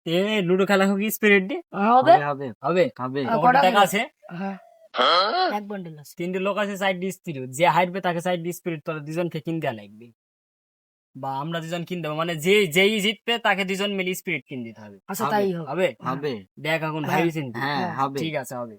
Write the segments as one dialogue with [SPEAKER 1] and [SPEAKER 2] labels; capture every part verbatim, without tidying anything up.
[SPEAKER 1] এ ludo খেলা হোক spirit দিয়ে
[SPEAKER 2] হবে
[SPEAKER 1] হবে হবে হবে
[SPEAKER 2] আহ,
[SPEAKER 1] কত
[SPEAKER 2] কটা
[SPEAKER 1] টাকা
[SPEAKER 2] হলো?
[SPEAKER 1] আছে?
[SPEAKER 2] হ্যাঁ এক বান্ডেল আছে।
[SPEAKER 1] তিনটে লোক আছে সাইড স্পিরিট, যে হাইটবে তাকে সাইড স্পিরিট তোরা দুজনকে কিন দেওয়া লাগবে, বা আমরা দুজন কিন দেবো, মানে যে যেই জিতবে তাকে দুজন মিলে স্পিরিট কিন দিতে হবে।
[SPEAKER 2] আচ্ছা তাই হোক।
[SPEAKER 1] হবে
[SPEAKER 3] হবে
[SPEAKER 1] দেখ এখন
[SPEAKER 2] হ্যাঁ,
[SPEAKER 1] ভাবিছেন কি?
[SPEAKER 3] হ্যাঁ হবে
[SPEAKER 1] ঠিক আছে হবে।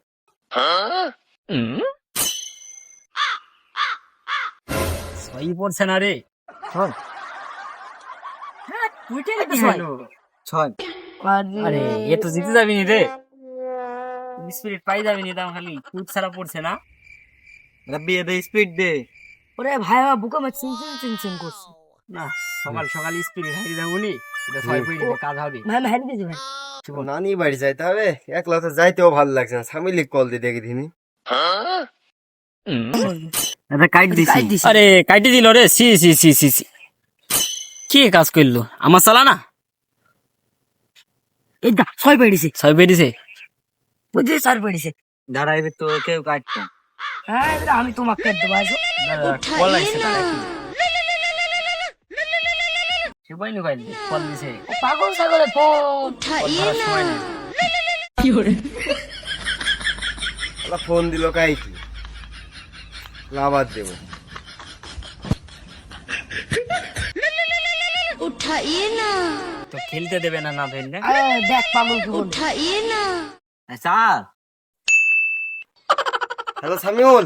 [SPEAKER 1] ছয়ই পড়ছে না রে।
[SPEAKER 3] ছয়
[SPEAKER 1] হ্যাঁ, টুইটারে কি
[SPEAKER 2] ছয়।
[SPEAKER 1] হলো?
[SPEAKER 3] ছয়
[SPEAKER 1] আরে এ তো জিতে যাবি নি রে, স্পিরিট পাই যাবি নি, দাম খালি টুইট ছাড়া পড়ছে না।
[SPEAKER 3] রাব্বি দে স্পিড দে
[SPEAKER 2] ওরে ভাই আমার বুকে আমার চিন চিন চিন চিন করছে।
[SPEAKER 1] না সকাল সকাল স্পিরিট হারিয়ে যাবো নি, এটা ছয় পড়ে দিলে কাজ হবে।
[SPEAKER 2] ভাই আমি হারিয়ে দিয়েছি ভাই।
[SPEAKER 4] নানি বাড়ি যাইতে হবে, একলা তো যাইতেও ভালো লাগছে না, স্বামীলি কল দিয়ে দেখি দিনি।
[SPEAKER 3] এটা কাট দিছি
[SPEAKER 2] কাট দিছি।
[SPEAKER 1] আরে কাটি দিল রে, সি সি সি সি সি কি কাজ করলো আমার চালা না,
[SPEAKER 2] এই দা ছয় পেড়িছে
[SPEAKER 1] ছয় পেয়েছে।
[SPEAKER 2] বুঝলি চার পেড়িছে।
[SPEAKER 3] দাঁড়াইবে তো কেউ কাটতো
[SPEAKER 2] হ্যাঁ এবার আমি তোমাকে কেটে দেবো আসো।
[SPEAKER 1] কল আইছে না নাকি? সে পাইনি কল কল দিছে,
[SPEAKER 2] ও পাগল ছাগলের ফোন।
[SPEAKER 1] কল ধরার সময় নাই।
[SPEAKER 4] আলা ফোন দিল কাই কি লাভার দেবো।
[SPEAKER 5] उठाइए ना
[SPEAKER 1] তো খেলতে দেবে না না ধরলে।
[SPEAKER 2] আরে দেখ পাগল কি বলছে।
[SPEAKER 5] उठाइए ना
[SPEAKER 3] স্যার
[SPEAKER 4] হ্যালো সামিউল,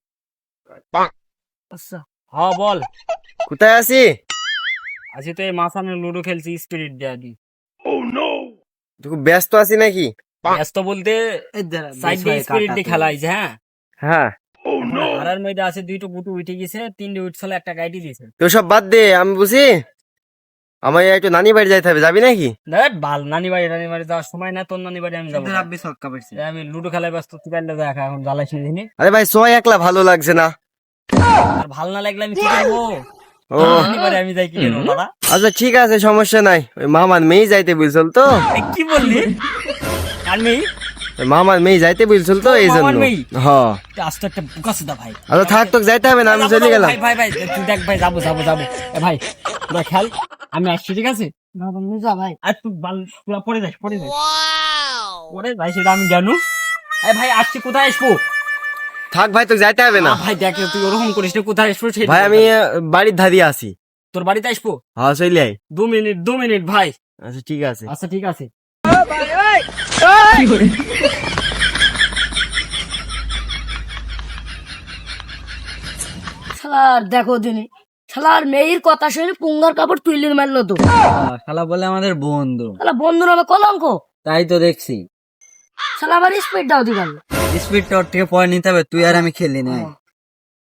[SPEAKER 2] আচ্ছা
[SPEAKER 1] হ বল।
[SPEAKER 4] কোথায় আছি?
[SPEAKER 1] আজকে তো এই মাসানে লুডো খেলছি স্পিরিট দেয়া দি।
[SPEAKER 4] তুই খুব ব্যস্ত আছি নাকি?
[SPEAKER 1] ব্যস্ত বলতে সাইড দিয়ে স্পিরিট দিয়ে খেলা হয়েছে। হ্যাঁ
[SPEAKER 4] হ্যাঁ
[SPEAKER 1] হারার মধ্যে আছে দুইটো গুটু উঠে গেছে, তিনটে উঠছিল একটা গাইডি দিয়েছে।
[SPEAKER 4] তো সব বাদ দে, আমি বুঝি আমার একটু নানি বাড়ি যাইতে হবে, যাবি নাকি?
[SPEAKER 1] দেখ বাল নানি বাড়ি নানি বাড়ি যাওয়ার সময় না, তোর নানি বাড়ি আমি যাবো না।
[SPEAKER 3] রাব্বি ছক্কা পাইছে
[SPEAKER 1] এই আমি লুডো খেলায় ব্যস্ত, তুই পারলে দেখ এখন জ্বালাইস না দিনে।
[SPEAKER 4] আরে ভাই সবাই একলা ভালো লাগছে না।
[SPEAKER 1] আর ভাল না লাগলে আমি কি করবো?
[SPEAKER 4] ও
[SPEAKER 1] নানি বাড়ি আমি যাই কি করবো দাদা?
[SPEAKER 4] আচ্ছা ঠিক আছে, সমস্যা নাই। ওই মামার মেয়ে যাইতে বলছিল তো,
[SPEAKER 1] এই কি বললি? আর মেয়ে
[SPEAKER 4] ওই মামার মেয়ে যাইতে বলছিল তো এই
[SPEAKER 1] মামার
[SPEAKER 4] জন্য।
[SPEAKER 1] মেয়ে?
[SPEAKER 4] হ্যাঁ
[SPEAKER 1] আস্তে একটা বুকা সুদা ভাই।
[SPEAKER 4] আচ্ছা থাক, তো যাইতে হবে না, আমি
[SPEAKER 1] যাবো,
[SPEAKER 4] চলে
[SPEAKER 1] যাবো,
[SPEAKER 4] গেলাম।
[SPEAKER 1] ভাই ভাই ভাই তুই দেখ ভাই, যাবো যাবো যাবো। এ ভাই তোরা খেল, আমি আসছি ঠিক আছে?
[SPEAKER 2] না তুমি যা ভাই।
[SPEAKER 1] আর তুই বাল তোরা পড়ে যাস পড়ে যাস পড়ে ভাই, সেটা আমি জানু। এই ভাই আসছি, কোথায় আসবো?
[SPEAKER 4] থাক ভাই, তো যাইতে হবে না।
[SPEAKER 1] না ভাই দেখ তুই ওরকম করিস না, কোথায় আসবো সেটা
[SPEAKER 4] ভাই
[SPEAKER 1] বল।
[SPEAKER 4] আমি আহ, বাড়ির ধারি আছি।
[SPEAKER 1] তোর বাড়িতে আসবো
[SPEAKER 4] হ্যাঁ চলে আই।
[SPEAKER 1] দু মিনিট দু মিনিট ভাই।
[SPEAKER 4] আচ্ছা ঠিক আছে।
[SPEAKER 1] আচ্ছা ঠিক আছে।
[SPEAKER 2] শালার দেখো দিনি শালার মেয়ের কথা শুনে পুঙ্গার কাপড় তুইলে মারলো তো।
[SPEAKER 3] শালা বলে আমাদের বন্ধু,
[SPEAKER 2] শালা বন্ধুর আমার কলঙ্ক।
[SPEAKER 3] তাই তো দেখছি।
[SPEAKER 2] শালা আবার স্পিড দাও দি গেল।
[SPEAKER 3] স্পিডটা ওর থেকে পরে নিতে হবে, তুই আর আমি খেলি না।